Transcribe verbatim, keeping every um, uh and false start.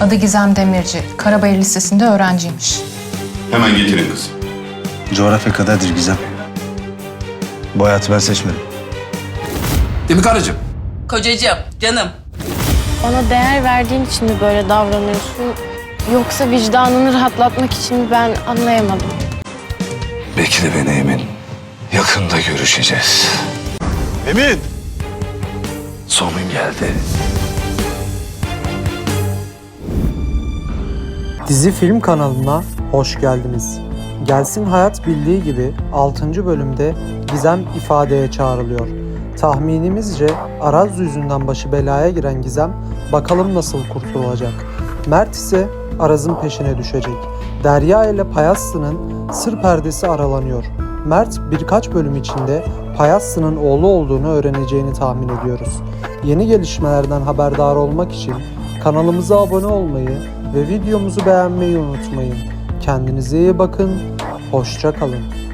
Adı Gizem Demirci. Karabayır Lisesi'nde öğrenciymiş. Hemen getirin kızı. Coğrafya kaderdir Gizem. Bu hayatı ben seçmedim. Değil mi karıcığım? Kocacığım, canım. Bana değer verdiğin için mi böyle davranıyorsun? Yoksa vicdanını rahatlatmak için mi, ben anlayamadım. Bekle beni Emin. Yakında görüşeceğiz. Emin! Sonun geldi. Dizi Film kanalına hoş geldiniz. Gelsin Hayat bildiği gibi altıncı bölümde Gizem ifadeye çağrılıyor. Tahminimizce Araz yüzünden başı belaya giren Gizem bakalım nasıl kurtulacak. Mert ise Araz'ın peşine düşecek. Derya ile Payaslı'nın sır perdesi aralanıyor. Mert birkaç bölüm içinde Payaslı'nın oğlu olduğunu öğreneceğini tahmin ediyoruz. Yeni gelişmelerden haberdar olmak için kanalımıza abone olmayı ve videomuzu beğenmeyi unutmayın. Kendinize iyi bakın, hoşça kalın.